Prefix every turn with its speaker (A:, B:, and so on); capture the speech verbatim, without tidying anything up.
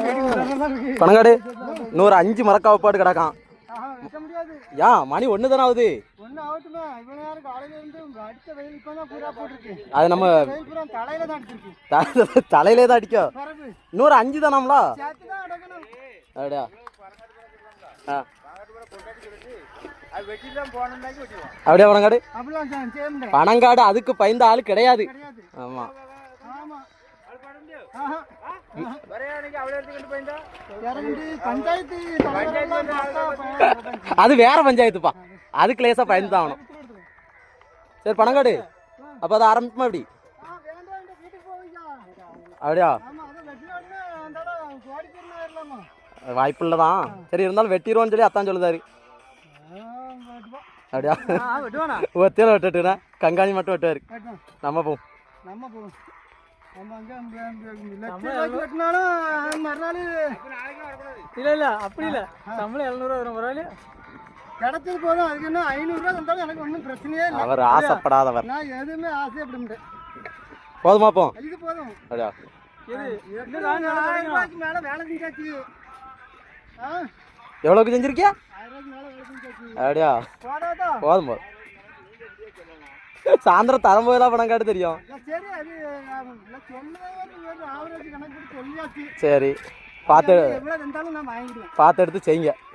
A: பணங்காடு இன்னொரு அஞ்சு மரக்காவை பாட்டு கிடக்கான். ஏன் மணி ஒன்று தானே ஆகுது? அது நம்ம தலையிலே தான் அடிக்கும். இன்னொரு அஞ்சு தானாம்ல? அப்படியா? அப்படியா பணங்காடு? பணங்காடு அதுக்கு பயந்த ஆளு கிடையாது. ஆமா அது வேற பஞ்சாயத்துப்பா, அதுக்கு லேசா பயந்து தான் ஆகணும். சரி பணங்காடு, அப்ப அதை ஆரம்பிப்போமா? எப்படி அப்படியா? வாய்ப்பு இல்லதான். சரி இருந்தாலும் வெட்டிடுவோன்னு சொல்லி அத்தான் சொல்லுதாரு. அப்படியா? ஒத்தியில வெட்டுனா கங்காணி மட்டும் வெட்டுவாரு. நம்ம போவோம்.
B: இல்ல இல்ல அப்படி இல்ல, சம்பளம் எழுநூறு ரூபா கிடைச்சது போதும். அதுக்கு என்ன ஐநூறு ரூபா தந்தாலும் எனக்கு ஒன்றும் பிரச்சனையே இல்லை.
A: அவர் ஆசைப்படாதவர்.
B: நான் எதுவுமே ஆசைப்பட மாட்டேன்.
A: போதுமா? போ
B: இது போதும்.
A: அப்படியா?
B: மேல வேலை செஞ்சாச்சு.
A: எவ்வளவுக்கு செஞ்சிருக்கியா? அப்படியா? போதும் போதும். சாயந்தரம் தரம்போதெல்லாம் பணம் காட்டு தெரியும். சரி பார்த்து பார்த்து எடுத்து செய்யுங்க.